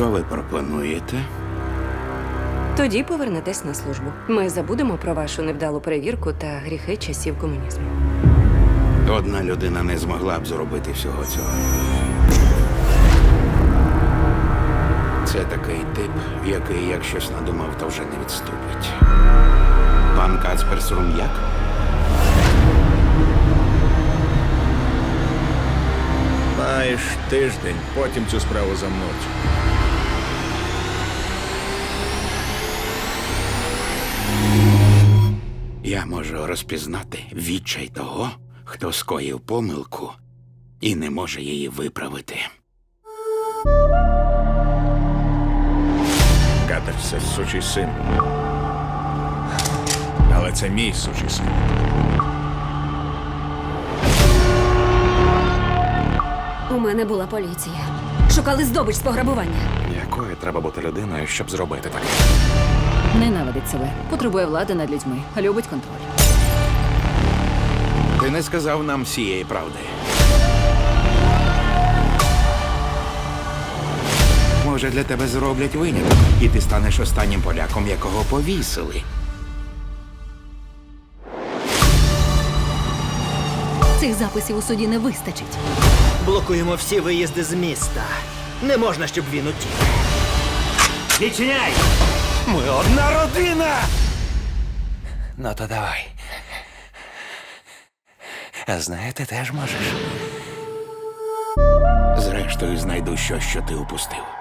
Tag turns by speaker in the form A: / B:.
A: Що ви пропонуєте?
B: Тоді повернетесь на службу. Ми забудемо про вашу невдалу перевірку та гріхи часів комунізму.
A: Одна людина не змогла б зробити всього цього. Це такий тип, який, як щось надумав, то вже не відступить. Пан Кацпер Срум'як?
C: Маєш тиждень, потім цю справу замнуть.
A: Я можу розпізнати відчай того, хто скоїв помилку і не може її виправити.
C: Катер – це сучий син. Але це мій сучий син.
D: У мене була поліція. Шукали здобич з пограбування.
E: Якою треба бути людиною, щоб зробити таке?
F: Ненавидить себе, потребує влади над людьми, любить контроль.
A: Ти не сказав нам всієї правди. Може, для тебе зроблять виняток, і ти станеш останнім поляком, якого повісили.
D: Цих записів у суді не вистачить.
G: Блокуємо всі виїзди з міста. Не можна, щоб він утік. Відчиняй!
E: Ми одна родина! Ну то давай. А знаєте, теж можеш.
A: Зрештою, знайду щось, що ти упустив.